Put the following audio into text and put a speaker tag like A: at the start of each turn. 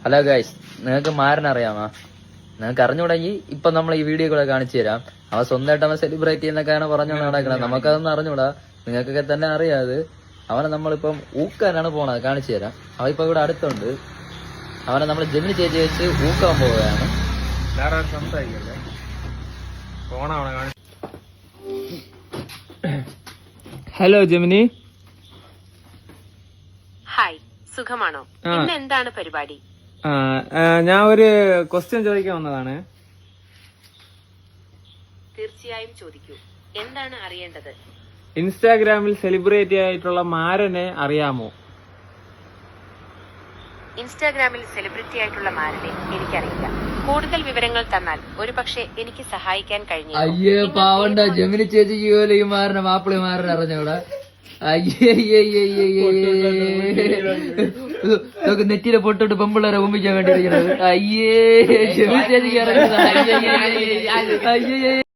A: Hello guys, നിങ്ങൾക്ക് മാരനറിയാമോ? നിങ്ങൾക്ക് അറിഞ്ഞുകൂടെങ്കിൽ ഇപ്പൊ നമ്മൾ ഈ വീഡിയോ കൂടെ കാണിച്ചു തരാം. അവൻ സ്വന്തമായിട്ട് അവൻ സെലിബ്രേറ്റ് ചെയ്യുന്നൊക്കെയാണ് പറഞ്ഞു നടക്കുന്നത്. നമുക്കതൊന്നും അറിഞ്ഞൂടാ, നിങ്ങൾക്കൊക്കെ തന്നെ അറിയാത്. അവനെ നമ്മളിപ്പം ഊക്കാനാണ് പോണത്, കാണിച്ചു തരാം. അവൻ ഇപ്പൊ ഇവിടെ അടുത്തുണ്ട്. അവനെ നമ്മൾ ജെമിനി ചേച്ചി വെച്ച് ഊക്കാൻ പോവുകയാണ്.
B: Hello Gemini.
C: ഹായ്, സുഖമാണോ? ഇന്ന് എന്താണ് പരിപാടി?
B: ഞാൻ ഒരു ക്വസ്റ്റ്യൻ ചോദിക്കാൻ വന്നതാണ്.
C: തീർച്ചയായും ചോദിക്കൂ. എന്താണ് അറിയേണ്ടത്?
B: ഇൻസ്റ്റാഗ്രാമിൽ സെലിബ്രേറ്റ് ആയിട്ടുള്ള മാരനെ അറിയാമോ?
C: ഇൻസ്റ്റാഗ്രാമിൽ സെലിബ്രിറ്റി ആയിട്ടുള്ള മാരനെ എനിക്കറിയില്ല. കൂടുതൽ വിവരങ്ങൾ തന്നാൽ ഒരുപക്ഷെ എനിക്ക് സഹായിക്കാൻ കഴിഞ്ഞു.
A: അയ്യേ പാവണ്ട, ജെമിനി ചേച്ചിക്ക് പോലും ഈ മാരനെ മാപ്പിളി മാരനെ അറിഞ്ഞൂടാ. അയ്യേ നെറ്റിയിലെ പൊട്ടിട്ട് പെമ്പിള്ളേരെ ഒമ്പിക്കാൻ വേണ്ടിയിരിക്കുന്നത്. അയ്യേ ജെമിനി ചേച്ചിക്ക് അറിഞ്ഞത്. അയ്യേ